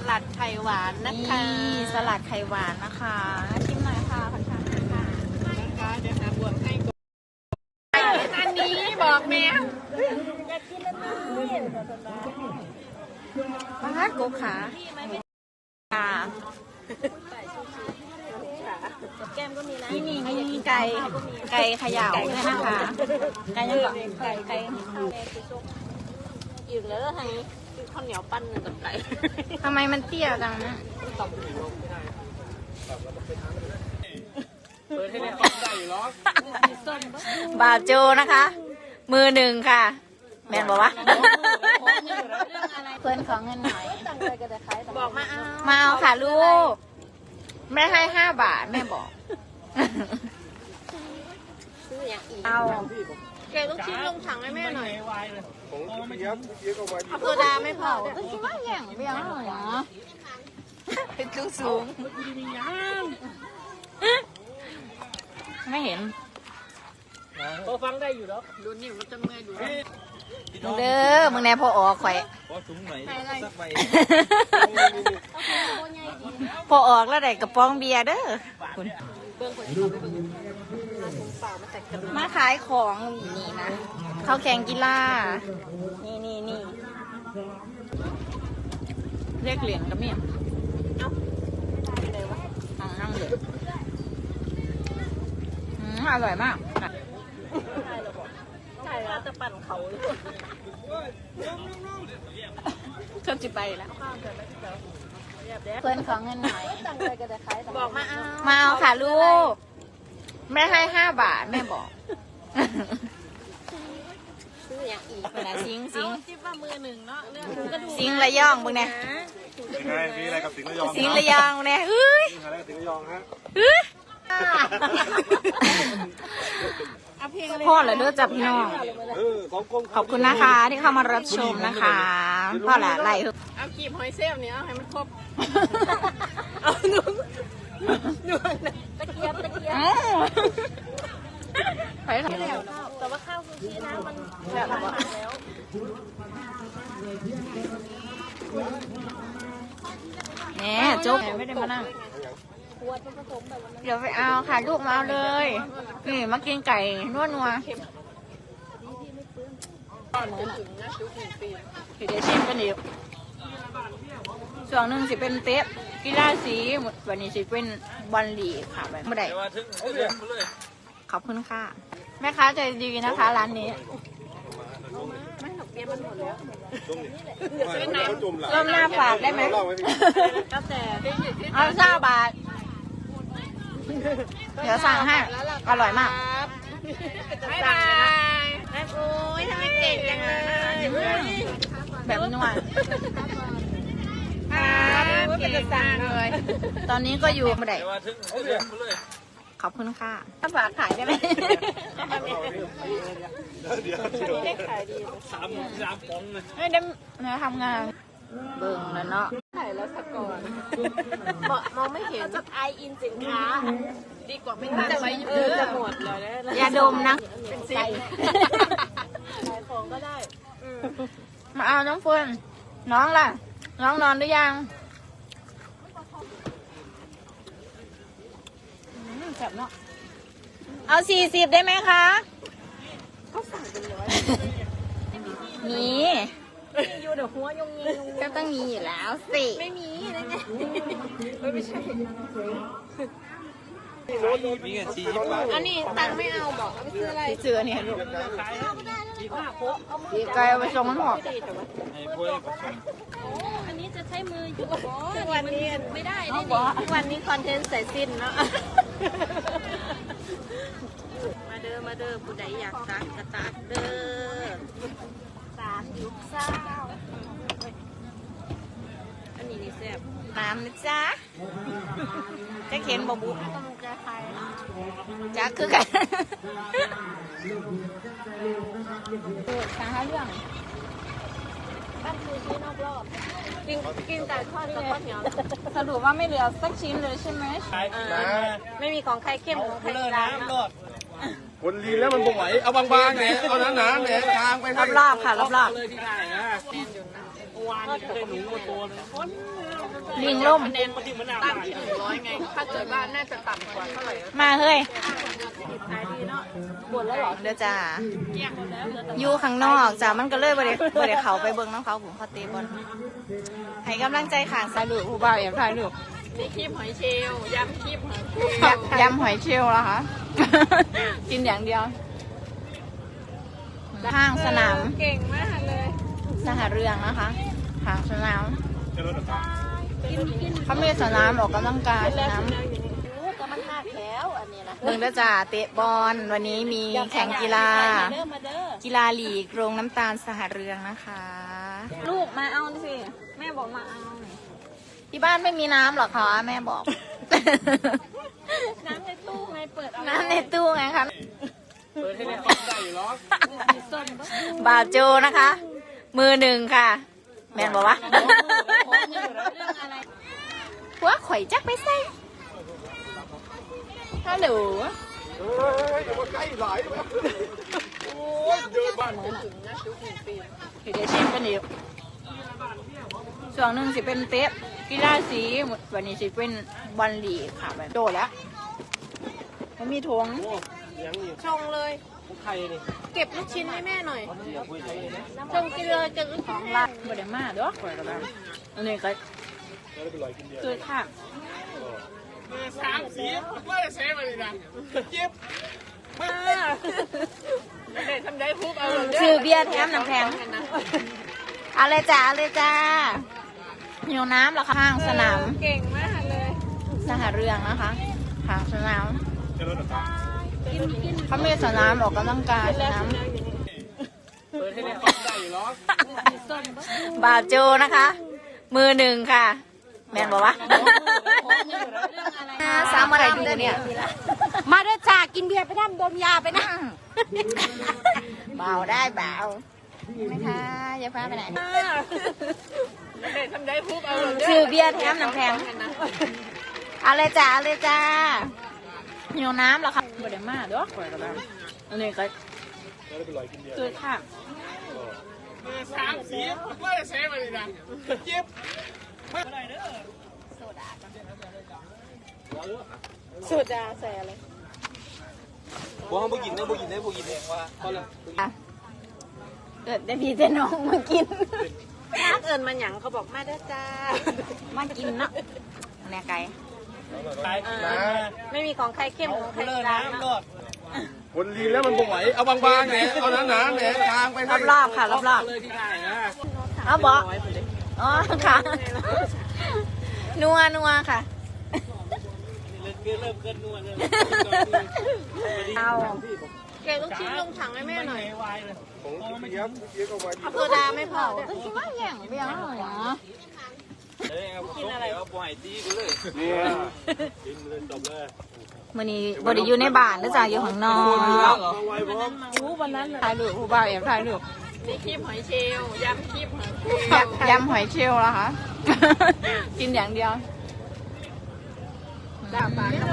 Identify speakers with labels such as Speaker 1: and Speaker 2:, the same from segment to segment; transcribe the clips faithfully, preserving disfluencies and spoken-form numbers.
Speaker 1: ลัดไข่หวานนะคะ
Speaker 2: นี่สลัดไข่หวานนะคะชิมหน่อยค่ะขอชิมค่ะ
Speaker 1: นะคะเดี๋ยวหาบวกให้ก่อนอันนี้บอกแม่อยากกินแล้วนี่
Speaker 2: ปลาโกขาค่ะ
Speaker 1: แก้มก็มีนะ
Speaker 2: นี่นี่นี่ไก่ไก่เขย่าด้วยนะคะไก่ยังก่อนไก่ไก่
Speaker 1: อยู่แล้วทางนี้ข้าวเหนียวปั้นหนึ่งกับไก่
Speaker 2: ทำไมมันเตี้ยจังนะบาโจนะคะ มือหนึ่งค่ะแมนบอกว่าเพื่อนของเงินหน่อย
Speaker 1: บอกมาเอา
Speaker 2: มาเอาค่ะลูกแม่ให้ห้าบาทแม่บอก
Speaker 1: ซื้ออย่างอีก
Speaker 2: เอา
Speaker 1: แกลูกชิ้นลงถังให้แม่หน่อย
Speaker 3: ของพี่ยับพี่ยับเอามา
Speaker 1: โซดาไม่พอ
Speaker 2: ก็คิดว่าอย่างเบี้ยหน่อยนะเป็นสูงสูงไม่เห็น
Speaker 1: พอฟังได้อยู่แล้วดูนี่มันจะเมื่อยดู
Speaker 2: มึงเด้อมึงแน่พอออกไข่
Speaker 3: พอถุงไหนสักใบ
Speaker 2: พอออกแล้วได้กระป๋องเบียร์เด้อคุณมาขายของนี่นะเขาแข่งกีฬานี่นี่นี่เรียกเหรียญกับเมียเอานั่งเลยอร่อยมาก
Speaker 1: ใช่แล้วจะปั่นเขา
Speaker 2: ชอบจิไปแล้วเพื่อนของเงินหน่อย
Speaker 1: บอกมาเอา
Speaker 2: มาเอาค่ะลูกแม่ให้ห้าบาทแม่บอก
Speaker 1: ซื้ออย่างอีก
Speaker 2: เวลาซิงซิง
Speaker 1: คิดว่ามือหนึ่งเนาะเรื่อง
Speaker 2: ซิงระย่องมึงเนี่ย
Speaker 3: ยังไงมีอะไรกับสิงห์ระยอง
Speaker 2: ซิงระย่องเนี่ยเฮ้ย
Speaker 3: อะไรกับสิงห์ระยองฮะ
Speaker 2: พ่อเหรอเด้อจับพี่น้องขอบคุณนะคะที่เข้ามารับชมนะคะพ่อแหละไล่
Speaker 1: เอากีบหอยเซลเนี่ยเอาให้มันครบเอาหนุ่มหนุ่มตะเกียบตะเกียบ
Speaker 2: ไปทำแล้ว
Speaker 1: แต่ว่าข้าวซูชินะมันแบบแล้ว
Speaker 2: แหมจุ๊บไม่ได้มานั่งเดี๋ยวไปเอาค่ะลูกมาเอาเลยนี่มากินไก่นวดนัวเดี๋ยวชิมกันอีกส่วนหนึ่งสิเป็นเต๊ะกีฬาสีวันนี้สิเป็นบอลลีค่ะแบบไม่ได้ขอบคุณค่ะแม่ค้าใจดีนะคะร้านนี้
Speaker 1: ไม่หนกเบี้ยมันหมดแล้ว
Speaker 2: ร่มหน้าฝากได้ไหม
Speaker 1: ก็แต่
Speaker 2: เอาเก้าบาทเดี๋ยวสั่งให้อร่อยมาก
Speaker 1: บ๊ายบายโอ้ยทำไมเก่งจังเลย
Speaker 2: แบบนวด
Speaker 1: เป็นจะสั่งเลย
Speaker 2: ตอนนี้ก็อยู่ไม่ได้ขอบคุณค่ะถ้าฝากขายได้ไหม
Speaker 3: เดี๋ยว
Speaker 1: ได้ขายดี
Speaker 3: สามสามปองเลย
Speaker 2: ไม่ได้นะทำงานเบิ่งแล้วเนาะ
Speaker 1: ถ่ายแล้วสักก่อนมองไม่เห็นจะไออินสินค้าดีกว่าไม่ตั้งไว้เยอะจะหมดเลยนะ
Speaker 2: ยาดมนะ
Speaker 1: เป็นซิปขายของก็ได้
Speaker 2: มาเอาน้องเฟิร์นน้องล่ะน้องนอนหรือยังแซ่บเนาะเอาสี่สิบได้ไหมคะ
Speaker 1: เขาสั่งเป็นร้อย
Speaker 2: มี
Speaker 1: อยู่เดี๋ยวหัวยงยิง
Speaker 2: ก็ต้องมีอยู่แล้วสิ
Speaker 1: ไม่มีนะไงไม่ใช่
Speaker 3: มีเงินสี่สิบบาท
Speaker 1: อันนี้ตังไม่เอาบอกเอาไปซื้ออะไร
Speaker 2: ซื้อเนี่ยลูกดีไกลเอาไปส่งมันหอก
Speaker 1: อันนี้จะใช้มืออยู่วันนี้ไม่ได้ได้วันนี้คอนเทนต์ใส่สิ้นเนาะมาเด้อมาเด้อผู้ใดอยากตัดกระตัดเด้อสามยุคเศร้าอันนี้นี่แซ่บ
Speaker 2: น้ำนะจ๊ะจะเข็นบะบุ
Speaker 1: จะใคร
Speaker 2: จ๊ะคือกันสาหาเรื่อง
Speaker 1: บ้านคือที่นอกรอบกินกินแต่ทอดกับข้าวเหนียว
Speaker 2: สรุปว่าไม่เหลือสักชิ้นเลยใช่ไหม
Speaker 1: ไม่มีของใครเข้มของใครร้าน
Speaker 3: คนลีนแล้วมันบ่ไหวเอาบางๆเนี่ยเอาหนาๆเนี่ยทางไป
Speaker 2: รอบๆค่ะรอบๆ
Speaker 3: เลยที่ได้นะโอ้วานนี่ได้หนูมาตัวนึง
Speaker 2: ลิงล่ม
Speaker 3: คะแนนมาถึงมะนาว
Speaker 1: ตั้งที่หนึ่งร้อยไง ถ้าเกิดว่าน่าจะต่ำกว่าเท่าไหร่
Speaker 2: มาเฮ้ย
Speaker 1: ขายดีเนาะหมดแล้วเหรอ
Speaker 2: เด้อจ้า
Speaker 1: เกลี้ยงหมดแล้วเหลือแต่
Speaker 2: อยู่ข้างนอกจ้ามันก็เลยบ่ได้บ่ได้เขาไปเบิ่งน้ำเขาผมเขาเตะบอลให้กำลังใจข้างสายลูกผู้บ่าวแอบถ่ายรูป
Speaker 1: นี่คีบหอยเชลล์ยำคีบหอยเชลล์
Speaker 2: ยำหอยเชลล์แล้วคะ กินอย่างเดียวห้างสนาม
Speaker 1: เก่งมากเลย
Speaker 2: สหเรืองนะคะห้างสนาม
Speaker 3: จะลดหรือเปล่า
Speaker 2: เขามีสนามออกกำลังกายสนาม
Speaker 1: ก็มันหักแล้วอันนี้นะ
Speaker 2: เบิ่งเด้อจ้าเตะบอลวันนี้มีแข่งกีฬา
Speaker 1: เด้อมาเด้อ
Speaker 2: กีฬาลีกโรงน้ำตาลสหเรืองนะคะ
Speaker 1: ลูกมาเอาสิแม่บอกมาเอา
Speaker 2: ที่บ้านไม่มีน้ำหรอคะแม่บอก
Speaker 1: น้ำในตู้ไงเปิดเอา
Speaker 2: น้ำในตู้ไงคะ
Speaker 3: เปิดให้ได้ได้อยู่หรอ
Speaker 2: บ่าวโจนะคะ มือหนึ่งค่ะ แมนบอกว่า
Speaker 1: เรื่องอะไร
Speaker 2: หัวข่อยจักไปใส่ฮัลโหล
Speaker 3: เฮ้ยอย่ามาใกล้หลายแบบโอ้ยเดินบ้านผม
Speaker 1: ถึงนะชุกหนึ่งปี
Speaker 2: เดี๋ยวชิมกันอีกช่วงหนึ่งสิเป็นเตะกีฬาสีวันนี้สิเป็นบอลลีกค่ะแบบโดดแล้วมันมีถุง
Speaker 3: โอ้ยังอยู่
Speaker 1: ชงเลย
Speaker 3: ของใครนี่
Speaker 1: เก็บลูกชิ้นให้แม่หน่อย
Speaker 3: เสียคุยเลยนะ
Speaker 1: ชงกินเลยจะลูก
Speaker 2: ข
Speaker 1: ชิ้
Speaker 2: อน ง
Speaker 1: ให้
Speaker 2: รักบไดมาเด้อข่อยก็ได้อันนี้ก็
Speaker 3: แล้วไปลอยกินเดียว
Speaker 2: คือค่ะ
Speaker 3: สามสีว่าจะเซฟอะไรนะเจ็บ
Speaker 1: เด็กทำได้พุกเอาเลย
Speaker 2: ซื้อเบียร์แถมน้ำแข็งเอาเลยจ้าเอาเลยจ้าหิวน้ำเหรอคะข้างสนาม
Speaker 1: เก่งมากเลย
Speaker 2: สหเรืองนะคะข้างสนาม
Speaker 3: จะลดหรือเปล่า
Speaker 2: เขามีสนามออกกำลังกายสนาม
Speaker 3: เปิดให้ได้ได้อยู่หรอ
Speaker 2: บ่าวโจนะคะ มือหนึ่งค่ะ แมนบอกว่าสามอะไรอยู่เนี่ย
Speaker 1: มาเด้อจ้ากินเบียร์ไปนั่งดมยาไปนั่ง
Speaker 2: เบาได้เบาไหมคะอย่าพาไปไหน
Speaker 1: เด็กทำได้พุกเอาเลย
Speaker 2: ซื้อเบียร์แถมน้ำแข็งเอาเลยจ้าเอาเลยจ้าหิวน้ำเหรอคะบไดมาเด้อข่อยก็ได้อันนี้ก็
Speaker 3: แล้วไปลอยกินเดียว
Speaker 2: คือค่ะ
Speaker 3: สามสีว่าจะเซฟอะไรนะเจ็บ
Speaker 1: สูตรจะใส่อะไร
Speaker 3: พวกเขาบ่กินได้บ่กินได้บ่กินเองว่าเขาเลย
Speaker 2: เกิดได้พี่เจน้องมากิน
Speaker 1: ถ้าเอิญมันหยังเขาบอกมาเด้อจ้า
Speaker 2: มากินเนาะอันนี้ไก่
Speaker 1: ไม่มีของใครเข้มของใครกลางนะ
Speaker 3: คนลีนแล้วมันบ่ไหวเอาบางๆเนี่ยเอาหนาๆเนี่ยทางไปให้
Speaker 2: รอบๆค่ะรอบ
Speaker 3: เลยที่ได้นะ
Speaker 2: ๆเอาบอกอ๋อค่ะ นัวนัวค่ะ
Speaker 3: เริ่มเกินเริ่มเกินนวลเลย
Speaker 2: เอา
Speaker 1: เก็บลูกชิ้นลงถังให้แม่หน่อย
Speaker 3: ผมเจี๊ยบเจี๊ยบเอาไว้
Speaker 1: เอาโซดาไม่พอ
Speaker 2: ก็คิดว่าอย่างเบี้ยเหรอ
Speaker 3: กินอะไรเอาปล่อยตีกูเลยเนี่ยกินเลยจบเลย
Speaker 2: มื่อนี้บไดอยู่ในบ้านนะจ๊ะอยู่ข้างนอก
Speaker 3: เอาไว้พร้อม
Speaker 1: รู้วันนั้นเลย
Speaker 2: ถ่ายรูปผู้บ่าวแอบถ่ายรูป
Speaker 1: นี่คีบหอยเชลล์ยำคีบหอยเชล
Speaker 2: ย
Speaker 1: ล์
Speaker 2: ำยำหอยเชลล์แล้วคะ กินอย่างเดียวดาบาน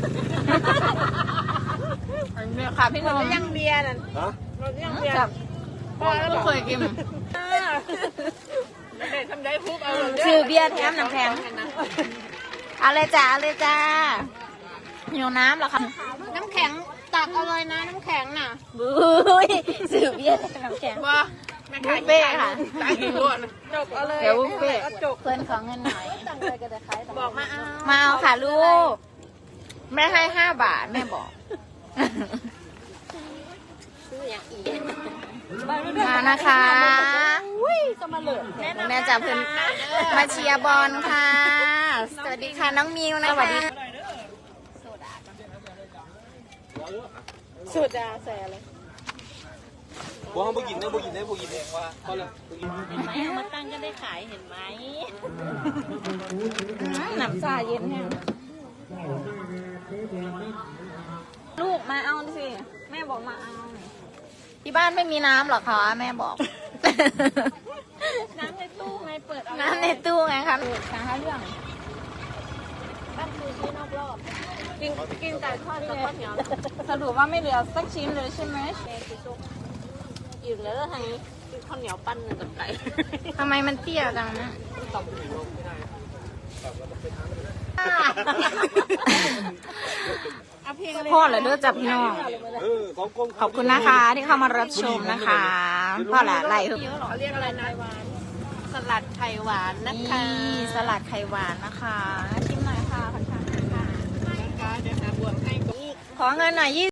Speaker 2: ค่ะพี่นนท์
Speaker 1: ยังเบียร์นั่น
Speaker 3: ฮะ
Speaker 1: เรายังเบียร์
Speaker 2: จับพ่อไม่เคยกิน
Speaker 1: เด็กทำได้พุกเอาเลย
Speaker 2: ซื้อเบียร์แถมน้ำแข็งเอาเลยจ้าเอาเลยจ้าหิวน้ำเหรอคะ
Speaker 1: น้ำแข็งตักเอาเลยนะน้ำแข็งน่ะ
Speaker 2: บุ้ยซื้อเบียร์แถมน้ำแข็ง
Speaker 1: ว่า
Speaker 2: บุฟเฟ่ค่ะ
Speaker 1: ตักอีกด้วยจบเอาเลย
Speaker 2: เดี๋ยวบุฟเฟ่
Speaker 1: จบ
Speaker 2: เพื่อนของเงินหน่อย
Speaker 1: บอกมาเอา
Speaker 2: มาเอาค่ะลูก แม่ให้ห้าบาทแม่บอก
Speaker 1: ซื้ออย่างอีก
Speaker 2: มานะคะ
Speaker 1: จะมาเหลือ
Speaker 2: แม่จับเพื่อนมาเชียร์บอลค่ะ สวัสดีค่ะน้องมิวนะคะ
Speaker 1: สูตรจะใส่อะไร
Speaker 3: พวกเขาบ่กินได้บ่กินได้บ่กินเองว่าเขาเลย
Speaker 1: ไหมมาตั้งก็ได้ขายเห็นไหม
Speaker 2: หนับซาเย็นแห้ง
Speaker 1: ลูกมาเอาสิแม่บอกมาเอา
Speaker 2: ที่บ้านไม่มีน้ำหรอคะแม่บอก
Speaker 1: น้ำในตู้ไงเปิดเอา
Speaker 2: น้ำในตู้ไงคะสาหาเรื่อง
Speaker 1: ตั้งคือที่นอกรอบกินกินไก่ทอดกับข้าวเหนียว
Speaker 2: สรุปว่าไม่เหลือสักชิ้นเลยใช่ไหม
Speaker 1: แม่กินซุปอิ่มแล้วทางนี้กินข้าวเหนียวปั้นหนึ่งกับไก่
Speaker 2: ทำไมมันเตี้ยจังนะพ่อเหรอเด้อจับพี่น้อง
Speaker 3: เออของกรม
Speaker 2: ขอบคุณนะคะที่เข้ามารับชมนะคะพ่อหละไรเหรอ
Speaker 1: เขาเรียกอะไรนะสลัดไข่หวานนะคะ
Speaker 2: นี่สลัดไข่หวานนะคะชิมหน่อยค่ะขอทานค่ะ
Speaker 1: นะคะเดี๋ยวหาบวกให้ก็
Speaker 2: ขอเงินหน่อย